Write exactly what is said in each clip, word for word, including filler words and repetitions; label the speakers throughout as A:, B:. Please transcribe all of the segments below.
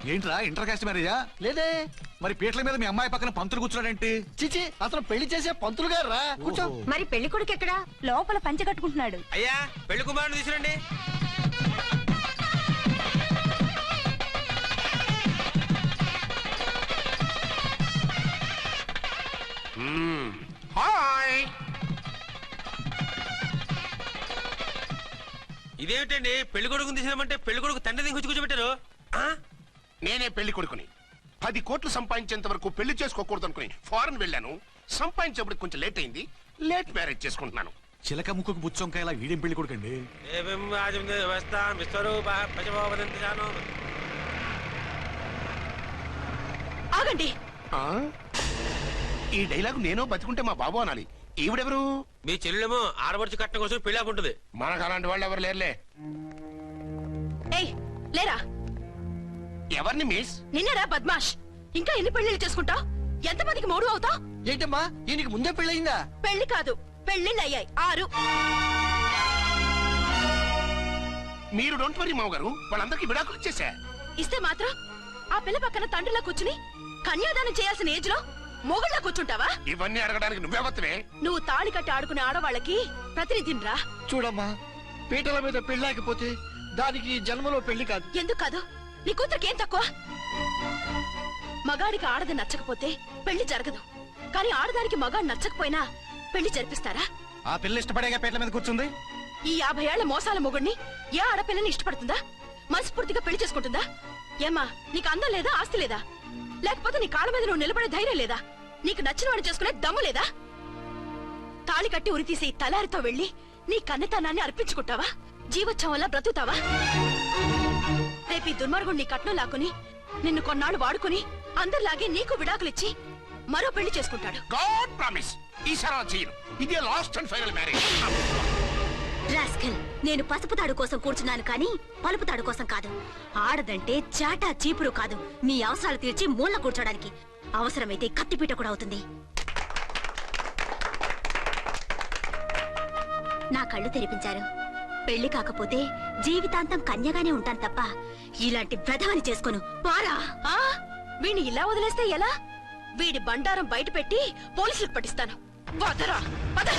A: ఏంట్రా inter caste మ్యారేజా?
B: లేదే.
A: మరి పీటల మీద మీ అమ్మాయి పక్కన పంతులు కూర్చున్నాడంటే?
B: చిచి, అతను పెళ్లి చేసే పంతులు గారు రా. కూర్చో.
C: మరి పెళ్లి కొడుకు ఎక్కడా?
D: లోపల పంచె కట్టుకుంటున్నాడు.
E: అయ్యా పెళ్లి కుమారుని తీసుకురండి.
F: హాయ్.
E: ఇదేమిటండి పెళ్లి కొడుకుని తీసినామంటే పెళ్లి కొడుకు తండ్రి దించి కూర్చోబెట్టారు.
F: నేనే పెళ్లి కొడుకుని. పది కోట్లు సంపాదించేంత వరకు పెళ్లి చేసుకోకూడదు అనుకుని ఫారెన్ వెళ్ళాను. సంపాదించేప్పుడు కొంచెం లేట్ అయింది. లేట్ మ్యారేజ్ చేసుకుంటున్నాను.
A: చిలక ముక్కుకు బుచ్చొంకాయ ఇలా వీడేం పెళ్లి కొడుకండి?
D: ఆగండి.
F: ఈ డైలాగ్ నేను బతికుంటే మా బాబు అనాలి. ఈవిడెవరు?
E: మీ చెల్లెమో ఆడబడుచు కట్టడం కోసం పెళ్లి ఆకుంటుంది.
F: మనకు అలాంటి వాళ్ళు ఎవరు లేరులే.
D: ఏయ్ లేరా.
F: ఎవరిని మిస్?
D: నిన్నరా బద్మాష్. ఇంకా ఎన్ని పెళ్లిళ్ళు చేసుకుంటావు? ఎంతమందికి మూడు అవుతావు?
B: ఏంటమ్మా ఈయనకి ముందే పెళ్ళయిందా?
D: పెళ్లి కాదు, పెళ్లిళ్ళు అయ్యాయి ఆరు.
F: మీరు డోంట్ వరీ మావ గారు, వాళ్ళందరికీ విడాకులు ఇచ్చేసా.
D: ఇస్తే మాత్రం ఆ పిల్ల పక్కన తండ్రిలా కూర్చుని కన్యాదానం చేయాల్సిన ఏజ్ లో మొగుళ్ళ కూర్చుంటావా?
F: ఇవన్నీ అడగడానికి నువ్వెవత్తవే?
D: నువ్వు తాళి కట్టి ఆడుకునే ఆడవాళ్ళకి ప్రతినిధిరా.
B: చూడమ్మా, పీటల మీద పెళ్ళాకపోతే దానికి జన్మలో పెళ్లి కాదు.
D: ఎందుకు కాదు? నీ కూతురికేం తక్కువ? మగాడికి ఆడది నచ్చకపోతే పెళ్లి జరగదు. కానీ ఆడదానికి మగాడు నచ్చకపోయినా పెళ్లి జరిపిస్తారా?
A: ఆ పిల్ల ఇష్టపడేగా పీటల మీద కూర్చుంది.
D: ఈ యాభై ఏళ్ల మోసాల మొగుడిని ఏ ఆడపిల్లని ఇష్టపడుతుందా? మనస్ఫూర్తిగా పెళ్లి చేసుకుంటుందా? ఏమ్మా, నీకు అందం లేదా, ఆస్తి లేదా? లేకపోతే నీ కాళ్ళ మీద నువ్వు నిలబడే ధైర్యం లేదా? నీకు నచ్చిన వాడిని చేసుకునే దమ్ము లేదా? తాళి కట్టి ఉరితీసి తలారితో వెళ్లి నీ కన్నెతనాన్ని అర్పించుకుంటావా? జీవోత్సవం వల్ల బ్రతుకుతావా? రేపు ఈ దుర్మార్గుడు నీ కట్నం లాక్కుని నిన్ను కొన్నాళ్ళు వాడుకుని అందరిలాగే నీకు విడాకులిచ్చి మరో పెళ్లి చేసుకుంటాడు.
F: గాడ్ ప్రామిస్, ఈసారి చేయను. ఇదే last and final marriage.
C: Rascal, నేను పసుపు తాడు కోసం కూర్చున్నాను కానీ పలుపు తాడు కోసం కాదు. ఆడదంటే చాటా చీపురు కాదు, మీ అవసరాలు తీర్చి మూల కూర్చోడానికి. అవసరమైతే కత్తిపీట కూడా అవుతుంది. నా కళ్ళు తెరిపించారు. పెళ్లి కాకపోతే జీవితాంతం కన్యగానే ఉంటాను తప్ప ఇలాంటి బ్రధవని చేసుకోను. పారా.
D: వీడిని ఇలా వదిలేస్తే ఎలా? వీడి బండారం బయట పెట్టి పోలీసులకు పట్టిస్తాను. వదరా, వద.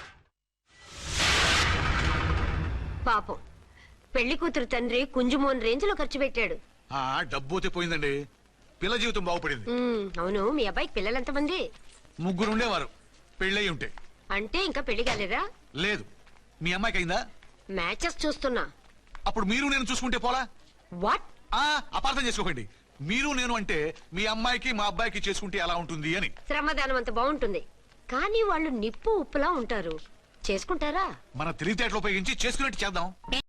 C: పాపం, పెళ్లి కూతురు తండ్రి కుంజుమోన్ రేంజ్ లో ఖర్చు పెట్టాడు.
A: ఆ డబ్బు పోయిందండి. పిల్ల జీవితం బాగుపడింది.
C: అవును, మీ అబ్బాయికి పిల్లలు ఎంతమంది?
A: ముగ్గురు ఉండేవారు. పెళ్ళయి ఉంటే.
C: అంటే ఇంకా పెళ్లి కాలేదా?
A: లేదు. మీ అమ్మాయికి అయిందా?
C: మ్యాచెస్ చూస్తున్నా.
A: అప్పుడు మీరు నేను చూసుకుంటే పోలా?
C: వాట్?
A: ఆ అపార్థం చేసుకోకండి. మీరు నేను అంటే మీ అమ్మాయికి మా అబ్బాయికి చేసుకుంటే ఎలా ఉంటుంది అని.
C: శ్రమదానం అంత బాగుంటుంది కానీ వాళ్ళు నిప్పు ఉప్పులా ఉంటారు. చేసుకుంటారా?
A: మన తెలివితేటలు ఉపయోగించి చేసుకున్నట్టు చేద్దాం.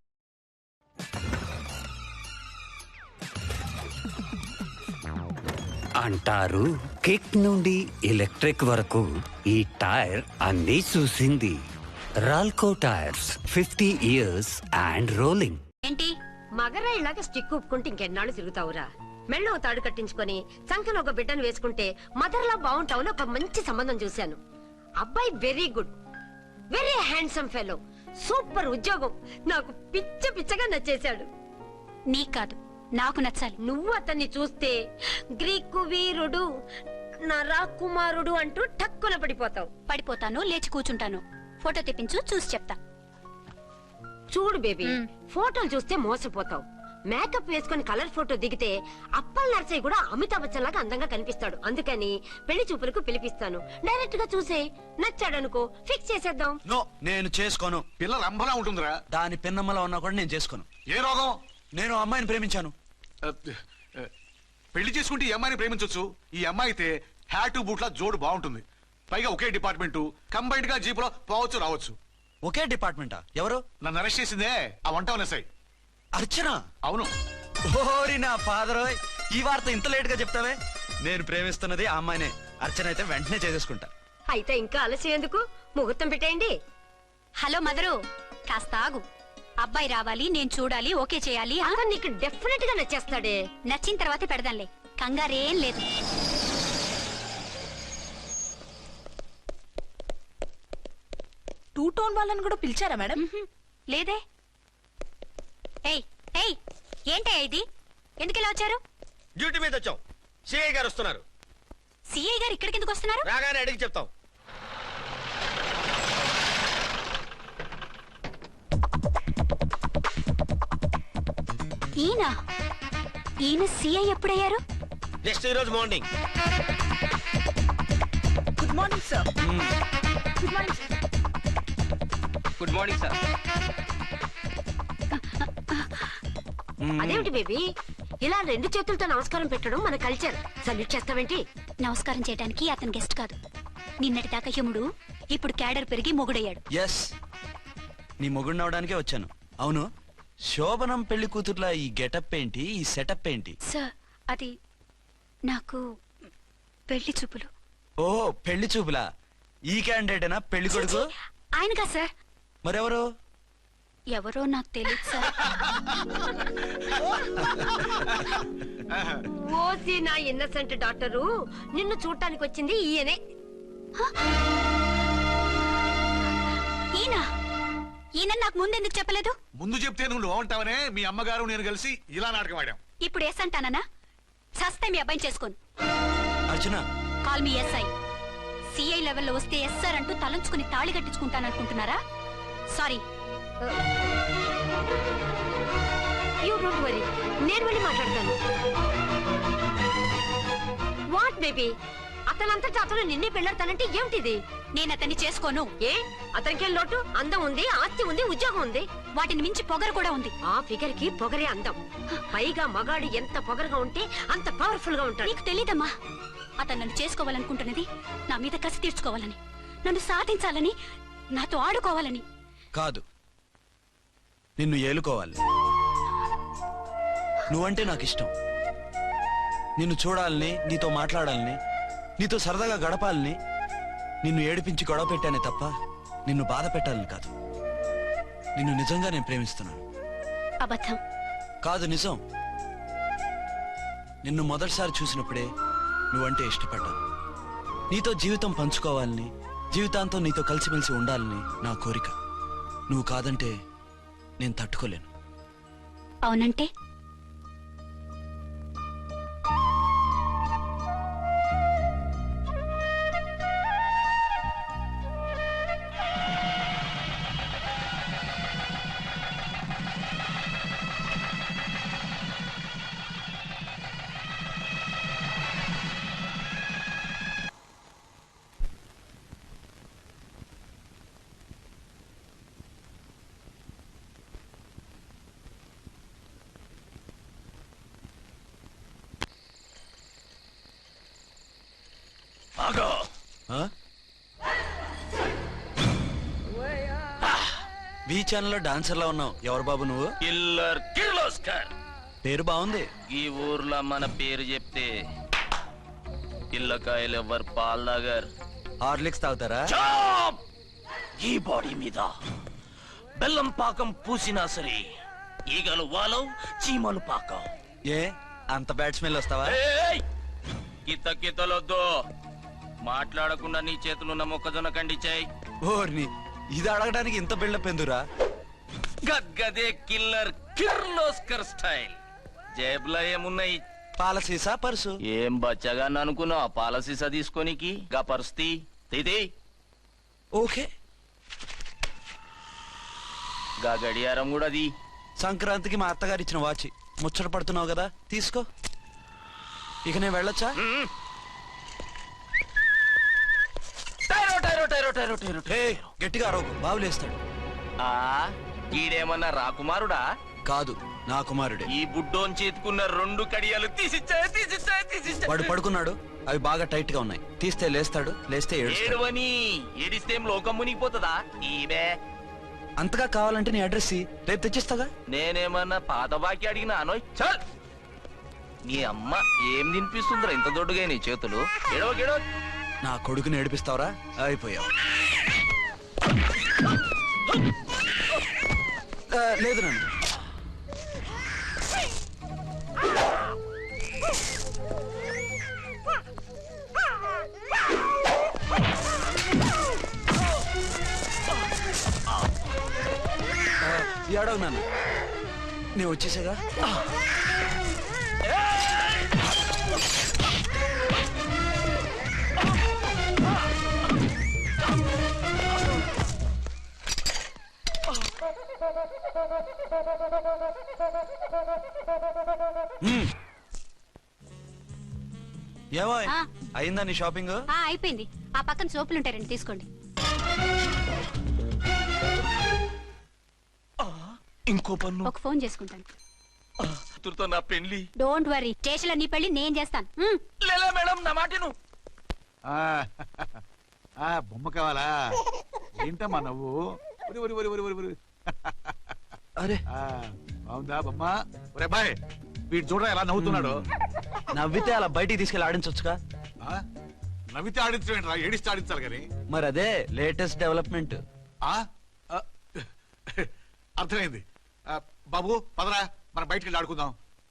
G: అంటారు కిక్ నుండి ఎలక్ట్రిక్ వరకు ఈ టైర్ అన్ని చూసింది. Ralco tyres, fifty years and rolling.
C: ఏంటి మగరా ఇలాగ స్టిక్ ఉప్పుకుంటే ఇంకెన్నాళ్ళు తిరుగుతావురా? మెళ్ళో తాడు కట్టించుకొని సంకన ఒక బిడ్డను వేసుకుంటే మదర్లా బాగుంటావు. ఒక మంచి సంబంధం చూశాను. అబ్బాయి very good, very handsome fellow, super ఉద్యోగం. నాకు పిచ్చ పిచ్చగా నచ్చేశాడు.
D: నీకు కాదు, నాకు నచ్చాలి.
C: నువ్వు అతన్ని చూస్తే గ్రీకు వీరుడు, నరా కుమారుడు అంటూ టక్కున పడిపోతావు.
D: పడిపోతాను, లేచి కూర్చుంటాను. ఫోటో తెప్పించు, చూసి చెప్తా.
C: చూడు బేబీ, ఫోటోలు చూస్తే మోసపోతావు. మేకప్ వేసుకుని కలర్ ఫోటో దిగితే అప్పల్ నర్సయ్య కూడా అమితాబ్ బచ్చన్ లాగా అందంగా కనిపిస్తాడు. అందుకని పెళ్లి చూపులకు పిలిపిస్తాను. డైరెక్ట్ గా చూసే నచ్చాడనుకో ఫిక్స్ చేసేద్దాం.
H: నో, నేను చేసుకోను.
A: పిల్ల రంభలా ఉంటుందిరా.
H: దాని పిన్నమ్మలా ఉన్నా కూడా నేను చేసుకోను.
A: ఏ రోగం?
H: నేను అమ్మాయిని ప్రేమించాను.
A: పెళ్లి చేసుకుంటే ఈ అమ్మాయిని ప్రేమించవచ్చు. ఈ అమ్మాయి అయితే హ్యాటు బూట్ల జోడు బాగుంటుంది. పైగా ఒకే డిపార్ట్మెంట్, కంబైన్డ్ గా జీపులో పోవచ్చు రావచ్చు.
H: ఒకే డిపార్ట్మెంటా? ఎవరు?
A: నన్ను అరెస్ట్ చేసిందే ఆ వంట ఉన్నసాయి.
H: అర్చన?
A: అవును.
H: ఓరి నా ఫాదర్, ఈ వార్త ఇంత లేట్ గా చెప్తావే. నేను ప్రేమిస్తున్నది ఆ అమ్మాయినే. అర్చన అయితే వెంటనే చేసేసుకుంటా.
C: అయితే ఇంకా ఆలస్యం ఎందుకు, ముహూర్తం పెట్టేయండి.
D: హలో మదరు, కాస్త ఆగు. అబ్బాయి రావాలి, నేను చూడాలి, ఓకే చేయాలి.
C: అక్కడ నీకు డెఫినెట్ గా నచ్చేస్తాడే.
D: నచ్చిన తర్వాత పెడదాంలే, కంగారేం లేదు.
I: టూ టోన్ వాళ్ళని కూడా పిలిచారా మేడం?
D: లేదే. ఏయ్ ఏయ్ ఏంటయ్యా ఇది? ఎందుకు ఇలా వచ్చారు?
E: డ్యూటీ మీద వచ్చాం. సిఐ గారు వస్తున్నారు.
D: సిఐ గారు ఇక్కడికి ఎందుకు వస్తున్నారు?
E: రాగానే అడిగి చెప్తాం.
D: ఈయన ఈయన సిఐ ఎప్పుడయ్యారు?
E: నెక్స్ట్ ఈ రోజు morning.
I: Good morning sir. Good morning sir.
E: Good morning sir.
C: అదేమిటి బేబీ ఇలా రెండు చేతులతో నమస్కారం పెట్టడం మన కల్చర్. సల్యూట్ చేస్తావేంటి?
D: నమస్కారం చేయడానికి అతను గెస్ట్ కాదు. నిన్నటి దాకా యముడు, ఇప్పుడు క్యాడర్ పెరిగి మొగుడయ్యాడు.
H: ఎస్, నీ మొగుడిని అవడానికే వచ్చాను. అవును, శోభనం పెళ్లి కూతుర్లా ఈ గెటప్ ఏంటి, ఈ సెటప్ ఏంటి?
D: సార్, అది నాకు పెళ్లి చూపులు.
H: ఓ, పెళ్లి చూపులా? ఈ క్యాండిడేటేనా పెళ్లి కొడుకు?
D: ఆయనగా సార్.
H: మరెవరు?
D: ఎవరో నాకు తెలియదు సార్.
C: ఓసి నా ఇన్నసెంట్ డాక్టరు, నిన్ను చూడటానికి వచ్చింది ఈయనే.
D: ఈయన ఈయన నాకు ముందెందుకు చెప్పలేదు?
A: ముందు చెప్తే నువ్వు బాగుంటావనే మీ అమ్మగారు నేను కలిసి ఇలా నాటకం ఆడాం.
D: ఇప్పుడు ఎస్ అంటానా? సస్తే మీ అబ్బాయిని చేసుకోను.
H: Archana,
D: call me SI. CI లెవెల్లో వస్తే ఎస్ సార్ అంటూ తలంచుకుని తాళి కట్టించుకుంటాననుకుంటున్నారా? సారీ.
C: యూ డోంట్ వరీ, నేను వెళ్ళి మాట్లాడతాను. వాట్ బేబీ, అతనంతటా అతను నిన్నే పెళ్ళాడతానంటే ఏమిటిది?
D: నేను అతన్ని చేసుకోను.
C: ఏ అతనికేం లోటు? అందం ఉంది, ఆస్తి ఉంది, ఉద్యోగం ఉంది.
D: వాటిని మించి పొగరు కూడా ఉంది.
C: ఆ ఫిగర్ కి పొగరే అందం. పైగా మగాడు ఎంత పొగరుగా ఉంటే అంత పవర్ఫుల్ గా ఉంటాడు.
D: నీకు తెలీదమ్మా, అతను నన్ను చేసుకోవాలనుకుంటున్నది నా మీద కసి తీర్చుకోవాలని, నన్ను సాధించాలని, నాతో ఆడుకోవాలని
H: కాదు, నిన్ను ఏలుకోవాలి. నువ్వంటే నాకు ఇష్టం. నిన్ను చూడాలని, నీతో మాట్లాడాలని, నీతో సరదాగా గడపాలని, నిన్ను ఏడిపించి గొడవ పెట్టానే తప్ప నిన్ను బాధ పెట్టాలని కాదు. నిన్ను నిజంగా నేను ప్రేమిస్తున్నాను.
D: అబద్ధం.
H: కాదు, నిజం. నిన్ను మొదటిసారి చూసినప్పుడే నువ్వంటే ఇష్టపడ్డాను. నీతో జీవితం పంచుకోవాలని, జీవితాంతం నీతో కలిసిమెలిసి ఉండాలని నా కోరిక. నువ్వు కాదంటే నేను తట్టుకోలేను.
D: అవునంటే
H: బీ ఛానల్లో డాన్సర్లా ఉన్నావు. ఎవరు బాబు నువ్వు?
E: కిల్లర్ కిర్లోస్కర్.
H: పేరు బాగుంది.
E: ఈ ఊర్లో మన పేరు చెప్తే పిల్లకాయలు ఎవరు పాల్ తాగర్.
H: హార్లిక్స్ తాగుతారా?
E: ఈ బాడీ మీద బెల్లం పాకం పూసినా సరే ఈగలు వాలవు, చీమలు పాకం.
H: ఏ అంత బ్యాడ్ స్మెల్ వస్తావా?
E: కిత కితలొద్దు. మాట్లాడకుండా నీ చేతులున్న మొక్కజొన్న కండిచాయి.
H: ఓర్ని, ఇది అడగడానికి ఇంత బిల్డప్ ఎందురా?
E: గద్గదే కిల్లర్ కిర్లోస్కర్ స్టైల్. జేబులో ఏమున్నాయి?
H: పాల సీసా, పర్సు.
E: ఏం బచ్చగా అనుకున్నావు? పాల సీసా తీసుకోనికి గా పరిస్థితి తీది.
H: ఓకే,
E: గా గడియారం కూడా అది.
H: సంక్రాంతికి మా అత్తగారు ఇచ్చిన వాచి. ముచ్చట పడుతున్నావు కదా, తీసుకో. ఇక నేను వెళ్ళొచ్చా?
E: టైరో టైరో టైరో టైరో టైరో
H: ఏయ్, గట్టిగా అరవకు, బావులేస్తాడు.
E: ఆ ఈడేమన్నా రాకుమారుడా?
H: కాదు, నా కుమారుడే.
E: ఈ బుడ్డోన్ చేతుకున్న రెండు కడియాలు తీసిచ్చా తీసిచ్చా తీసిచ్చా.
H: వాడు పడుకున్నాడు, అవి బాగా టైట్ గా ఉన్నాయి. తీస్తే లేస్తాడు, లేస్తే ఏడుస్తాడు.
E: ఏడువని ఏడిస్తే ఏం లోకం మునిగిపోతుందా? ఈబే
H: అంతగా కావాలంటే నీ అడ్రస్ ఇయ్యి, రేపు తెచ్చిస్తాగా.
E: నేనేమన్నా పాత బాకి అడిగినా అనోయ్. చల్, నీ అమ్మ ఏం తినిపిస్తుందిరా ఇంత దొడ్డుగా నీ చేతులు? ఎడవ గెడవ.
H: నా కొడుకుని ఏడిపిస్తావరా? అయిపోయావు. ఆ, లేదు నన్ను. ఏడవు నన్ను, నేను వచ్చేసాగా. ఏమో
I: ఆ.
H: అయిందా నీ షాపింగ్?
I: ఆ అయిపోయింది. ఆ పక్కన సోపులుంటారండి, తీసుకోండి.
E: ఇంకో పన్ను
I: ఒక ఫోన్ చేసుకుంటాను.
E: కూతురుతో నా పెళ్లి.
I: డోంట్ వరీ, స్టేషన్లో నీ పెళ్లి నేను చేస్తాను. మ్.
E: లేలా మేడం నా మాటను.
A: ఆ, ఆ, బొమ్మ కావాలా? ఏంటమ్మా నవ్వు? ఒరి, ఒరి, ఒరి, ఒరి, ఒరి, ఒరి.
H: అరే
A: ఆ, బాగుందా బొమ్మ? ఒరే బాయ్, వీడు చూడరా ఎలా నవ్వుతున్నాడు.
H: నవ్వితే అలా బయటికి తీసుకెళ్ళి ఆడించొచ్చుగా.
A: ఆ, నవ్వితే ఆడించడం ఏంట్రా, ఏడిస్తే ఆడించాలి కానీ.
H: మరి అదే లేటెస్ట్ డెవలప్మెంట్.
A: ఆ, ఆ, అర్థమైంది. ఆ, బాబు పదరా, మనం బయటికి వెళ్ళి ఆడుకుందాం.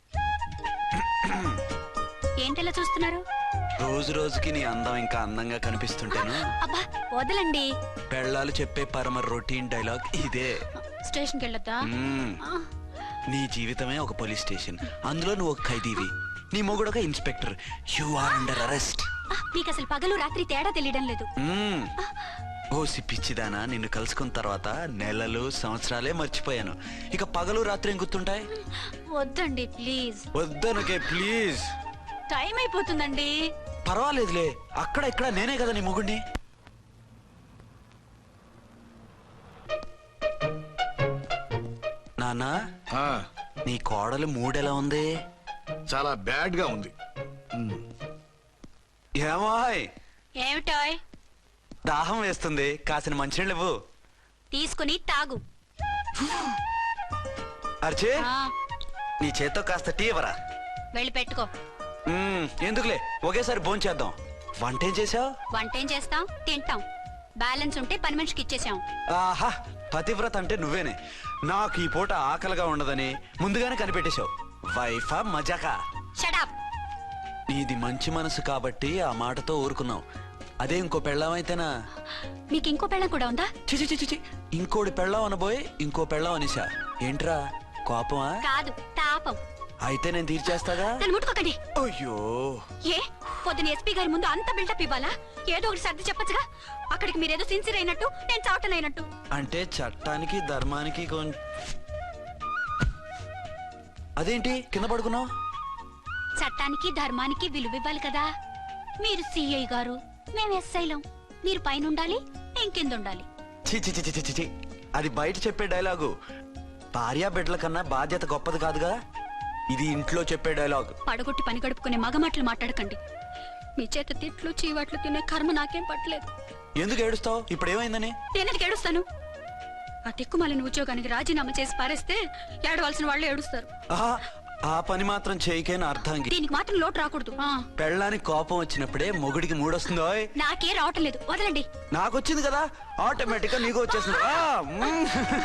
I: ఏంటలా చూస్తున్నారు?
H: రోజు రోజుకి నీ అందం ఇంకా అందంగా కనిపిస్తుంటేను
I: అబ్బా వదలండి.
H: పెళ్ళాలు చెప్పే పరమ రొటీన్ డైలాగ్ ఇదే.
I: స్టేషన్కి వెళ్ళొద్దా?
H: మ్మ్.
I: ఆ,
H: నీ జీవితమే ఒక పోలీస్ స్టేషన్, అందులో నువ్వు ఒక ఖైదీవి, నీ మొగుడు ఒక inspector. You are under arrest.
I: ఆ, మీకు అసలు పగలు రాత్రి తేడా తెలియడం లేదు.
H: ఓ సిప్పిచ్చిదానా, నిన్ను కలుసుకున్న తర్వాత నెలలు సంవత్సరాలే మర్చిపోయాను. ఇక పగలు రాత్రి ఏం గుర్తుంటాయి?
I: వద్దండి ప్లీజ్.
H: వద్దనుకే ప్లీజ్.
I: టైం అయిపోతుందండి.
H: పర్వాలేదులే, అక్కడ ఇక్కడ నేనే కదా నీ మొగుడిని. నాన్నా,
A: ఆ,
H: నీ కోడలు మూడెలా ఉంది?
A: చాలా బ్యాడ్ గా ఉంది.
H: ఏమాయ్,
I: ఏమిటాయ్?
H: దాహం వేస్తుంది, కాసిన మంచినీళ్ళు ఇవ్వు.
I: తీసుకుని తాగు.
H: అర్చే,
I: ఆ,
H: నీ చేత్తో కాస్త టీ ఇవ్వరా.
I: వెళ్ళి పెట్టుకో.
H: మ్మ్, ఎందుకులే, ఒకేసారి భోంచేద్దాం. వంటేం చేసావు?
I: వంటేం చేస్తాం, తింటాం. బ్యాలెన్స్ ఉంటే పని మనిషికి ఇచ్చేసాం.
H: ఆహా, పతివ్రత అంటే నువ్వేనే. నాకు ఈ పూట ఆకలిగా ఉండదని ముందుగానే కనిపెట్టేశావు. వైఫా మజాకా?
I: షడప్.
H: నీది మంచి మనసు కాబట్టి ఆ మాటతో ఊరుకున్నావు. అదే ఇంకో పెళ్ళామైతేనా?
I: మీకు ఇంకో పెళ్ళం కూడా ఉందా?
H: చిచి చిచి చి, ఇంకోటి పెళ్ళాం అనబోయి ఇంకో పెళ్ళాం అనిసా. ఏంట్రా కోపమా?
I: కాదు, తాపం.
H: అయితే నేను తీర్చేస్తాగా.
I: నన్ను ముట్టుకోకండి.
H: అయ్యో,
I: ఏ పొద్దున ఎస్పీ గారి ముందు అంత బిల్డప్ ఇవ్వాలా? ఏదో ఒకటి సర్ది చెప్పచ్చుగా. అక్కడికి మీరేదో సిన్సియర్ అయినట్టు, నేను చావటం అయినట్టు.
H: అంటే చట్టానికి ధర్మానికి కొం- అదేంటి కింద పడుకున్నావు?
I: చట్టానికి ధర్మానికి విలువ ఇవ్వాలి కదా. మీరు సిఐ గారు, మేము ఎస్ఐలం. మీరు పైన ఉండాలి, నేను కింద ఉండాలి.
H: చి చి చి చి చి చి. అది బయట చెప్పే డైలాగు. భార్యా బిడ్డల కన్నా బాధ్యత గొప్పది కాదుగా. ఇది ఇంట్లో చెప్పే డైలాగ్.
I: పడగొట్టి పని గడుపుకునే మగమాటలు మాట్లాడకండి. మీ చేత తిట్లు చీవాట్లు తినే కర్మ నాకేం పట్టలేదు.
H: ఎందుకు ఏడుస్తావు? ఇప్పుడు ఏమైందని?
I: నేనెందుకు ఏడుస్తాను? ఆ తిక్కుమాలిన ఉద్యోగానికి రాజీనామా చేసి పారేస్తే ఏడవలసిన వాళ్ళు ఏడుస్తారు.
H: ఆహా, ఆ పని మాత్రం చేయకేన అర్థంకి.
I: దీనికి మాత్రం లోటు రాకూడదు. ఆ,
H: పెళ్ళానికి కోపం వచ్చినప్పుడే మొగుడికి మూడొస్తుందో.
I: నాకే రావటం లేదు, వదలండి.
H: నాకు వచ్చింది కదా, ఆటోమేటిక్ గా నీకు వచ్చేసింది. ఆ, మ్మ్.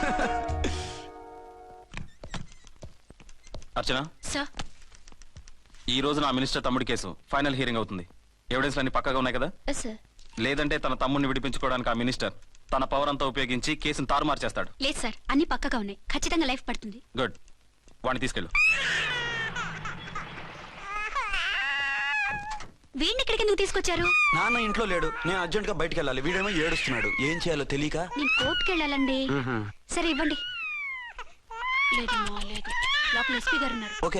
J: అర్చన,
I: సార్,
J: ఈ రోజు నా మినిస్టర్ తమ్ముడి కేసు ఫైనల్ హియరింగ్ అవుతుంది. ఎవిడెన్స్ అన్ని పక్కగా ఉన్నాయి కదా?
I: సార్.
J: లేదంటే తన తమ్ముడిని విడిపించుకోవడానికి ఆ మినిస్టర్ తన పవర్ అంతా ఉపయోగించి కేసును తారుమారు చేస్తాడు.
I: లేదు సార్, అన్ని పక్కగా ఉన్నాయి. ఖచ్చితంగా లైఫ్ పడుతుంది.
J: గుడ్, వాడిని తీసుకెళ్ళు.
I: వీడిని ఇక్కడికి ఎందుకు తీసుకొచ్చారు?
H: నాన్న ఇంట్లో లేడు, నేను అర్జెంట్ గా బయటికి వెళ్ళాలి. వీడేమో ఏడుస్తున్నాడు, ఏం చేయాలో తెలియక.
I: నేను కోర్టుకి వెళ్ళాలండి. సరే ఇవ్వండి. లేదమ్మా, లేదు. లోపల ఎస్పీ గారు ఉన్నారు.
H: ఓకే.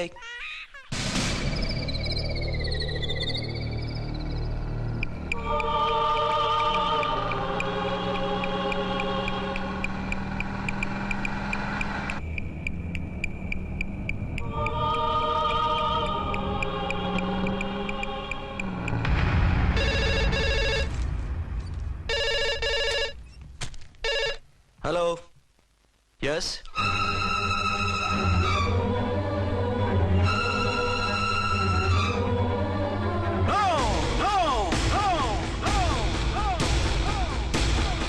H: Hello, yes.